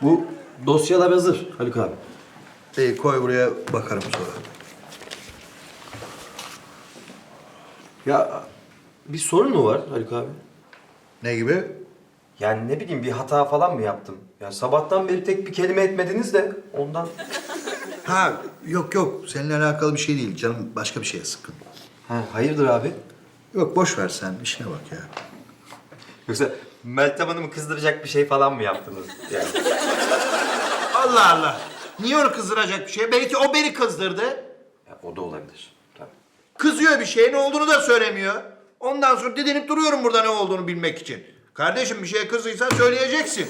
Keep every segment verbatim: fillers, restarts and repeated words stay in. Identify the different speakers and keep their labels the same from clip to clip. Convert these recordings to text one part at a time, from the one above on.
Speaker 1: Bu dosyalar hazır Haluk abi.
Speaker 2: İyi koy buraya bakarım sonra.
Speaker 1: Ya bir sorun mu var Haluk abi?
Speaker 2: Ne gibi?
Speaker 1: Yani ne bileyim bir hata falan mı yaptım? Ya sabahtan beri tek bir kelime etmediniz de ondan.
Speaker 2: Ha yok yok seninle alakalı bir şey değil canım başka bir şeye sıkın.
Speaker 1: Ha, hayırdır abi?
Speaker 2: Yok boş ver sen işine bak ya.
Speaker 1: Yoksa Meltem Hanım'ı kızdıracak bir şey falan mı yaptınız yani?
Speaker 2: Allah Allah. Niye onu kızdıracak bir şey? Belki o beni kızdırdı.
Speaker 1: Ya, o da olabilir. Tabii.
Speaker 2: Kızıyor bir şey ne olduğunu da söylemiyor. Ondan sonra didinip duruyorum burada ne olduğunu bilmek için. Kardeşim bir şeye kızdıysan söyleyeceksin.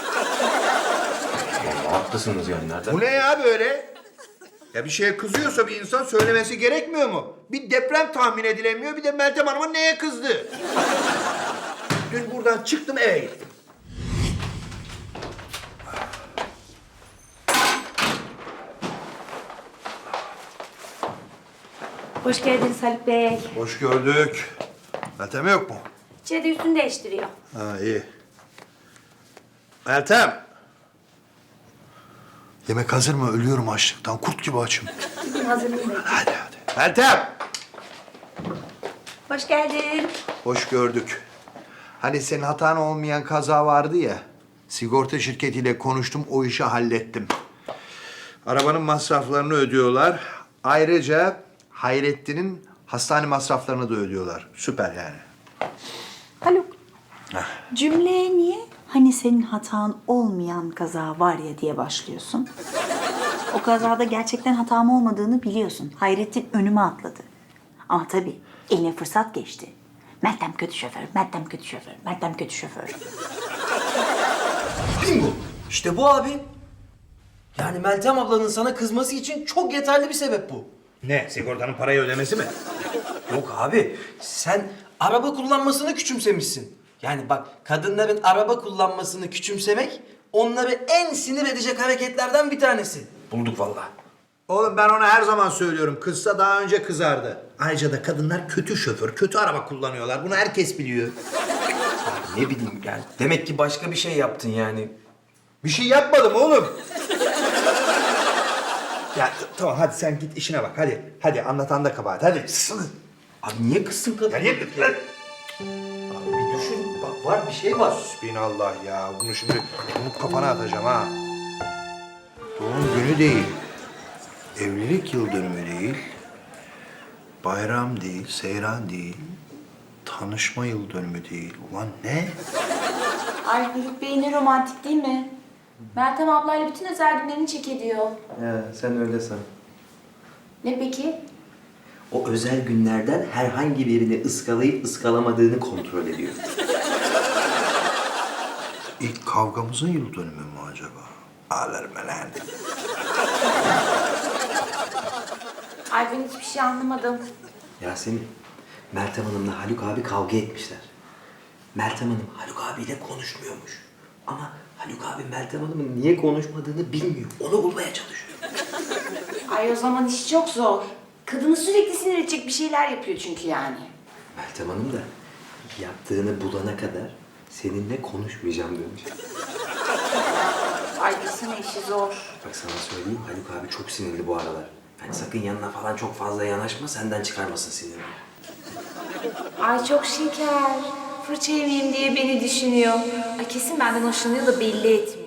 Speaker 1: Vallahi haklısınız yani nereden?
Speaker 2: Bu ne ya böyle? Ya bir şeye kızıyorsa bir insan söylemesi gerekmiyor mu? Bir deprem tahmin edilemiyor, bir de Meltem Hanım'ın neye kızdı? Dün buradan çıktım eve gittim.
Speaker 3: Hoş geldiniz Haluk Bey.
Speaker 2: Hoş gördük. Meltem yok mu?
Speaker 3: İçeride üstünü değiştiriyor.
Speaker 2: Ha iyi. Meltem. Yemek hazır mı? Ölüyorum açlıktan. Kurt gibi açım.
Speaker 3: Bugün hazırlayayım ben.
Speaker 2: Hadi hadi. Meltem.
Speaker 3: Hoş geldin.
Speaker 2: Hoş gördük. Hani senin hatan olmayan kaza vardı ya. Sigorta şirketiyle konuştum, o işi hallettim. Arabanın masraflarını ödüyorlar. Ayrıca Hayrettin'in hastane masraflarını da ödüyorlar. Süper yani.
Speaker 4: Haluk, cümleye niye hani senin hatan olmayan kaza var ya diye başlıyorsun? O kazada gerçekten hatam olmadığını biliyorsun. Hayrettin önüme atladı. Ama tabii eline fırsat geçti. Meltem kötü şoför, Meltem kötü şoför, Meltem kötü şoför.
Speaker 1: Bingo! İşte bu abi. Yani Meltem ablanın sana kızması için çok yeterli bir sebep bu.
Speaker 2: Ne? Sigortanın parayı ödemesi mi?
Speaker 1: Yok abi, sen araba kullanmasını küçümsemişsin. Yani bak, kadınların araba kullanmasını küçümsemek onları en sinir edecek hareketlerden bir tanesi. Bulduk vallahi.
Speaker 2: Oğlum ben ona her zaman söylüyorum. Kızsa daha önce kızardı. Ayrıca da kadınlar kötü şoför, kötü araba kullanıyorlar. Bunu herkes biliyor.
Speaker 1: Ne bileyim yani, demek ki başka bir şey yaptın yani.
Speaker 2: Bir şey yapmadım oğlum. Ya t- tamam hadi sen git işine bak hadi. Hadi anlatan da kabahat hadi.
Speaker 1: Abi niye kızsın kadın?
Speaker 2: Ya niye-
Speaker 1: Abi bir düşün, bak var bir şey var.
Speaker 2: Bismillah ya. Bunu şimdi bunu kafana atacağım ha. Doğum günü değil. Evlilik yıl dönümü değil. Bayram değil, seyran değil. Tanışma yıl dönümü değil. Ulan ne?
Speaker 3: Ay Haluk Bey ne romantik değil mi? Meltem ablayla bütün özel günlerini çek ediyor.
Speaker 1: Ya sen öyle san.
Speaker 3: Ne peki?
Speaker 1: O özel günlerden herhangi birini ıskalayıp ıskalamadığını kontrol ediyor.
Speaker 2: İlk kavgamızın yıl dönümü mü acaba? Ağlarım ben lan.
Speaker 3: Ay ben hiçbir şey anlamadım.
Speaker 1: Yasemin, Meltem Hanım'la Haluk abi kavga etmişler. Meltem Hanım Haluk abiyle konuşmuyormuş. Ama Haluk abi Meltem Hanım'ın niye konuşmadığını bilmiyor. Onu bulmaya çalışıyor.
Speaker 3: Ay o zaman iş çok zor. Kadını sürekli sinir edecek bir şeyler yapıyor çünkü yani.
Speaker 1: Meltem Hanım da yaptığını bulana kadar seninle konuşmayacağım demiş.
Speaker 3: Ay desene işi zor.
Speaker 1: Bak sana söyleyeyim, Haluk abi çok sinirli bu aralar. Yani sakın yanına falan çok fazla yanaşma, senden çıkarmasın sinirini.
Speaker 3: Ay çok şeker. Fırça yemeyeyim diye beni düşünüyor. Ay kesin benden hoşlanıyor da belli etmiyor.